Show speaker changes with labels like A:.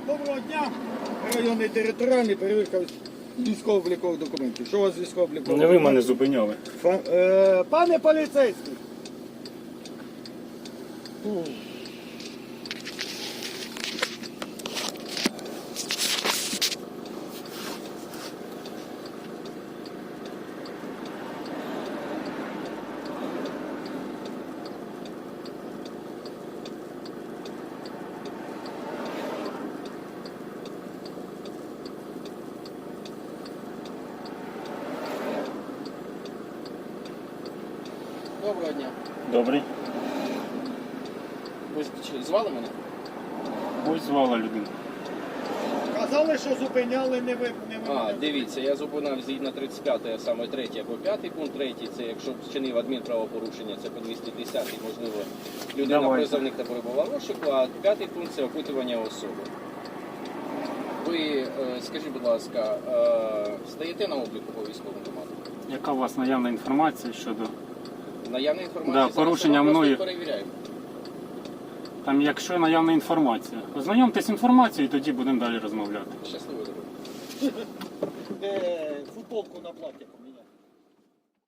A: Доброго дня. Районний територіальний перевірка військово-облікових документів. Що у вас з військово-облікових?
B: Не ви мене зупиняли.
A: Пане поліцейський.
C: Доброго дня.
B: Добрий.
C: Ви звали мене?
B: Ось звала людину.
A: Казали, що зупиняли не ви.
C: Дивіться, я зупинав згідно 35, а саме 3 або 5 пункт. 3 це якщо вчинив адмінправопорушення, це по 210, можливо, людина
B: Давайте.
C: призовник та перебувала в розшуку, а 5 пункт це опитування особи. Ви, скажіть, будь ласка, стаєте на обліку по військовому команду?
B: Яка у вас наявна інформація щодо...
C: Наявна інформація,
B: Да,
C: зараз
B: порушення
C: ми
B: мною.
C: просто перевіряємо.
B: Там, якщо наявна інформація. Ознайомтесь з інформацією, і тоді будемо далі розмовляти.
C: Щасливо дороги.
A: Футболку на платі.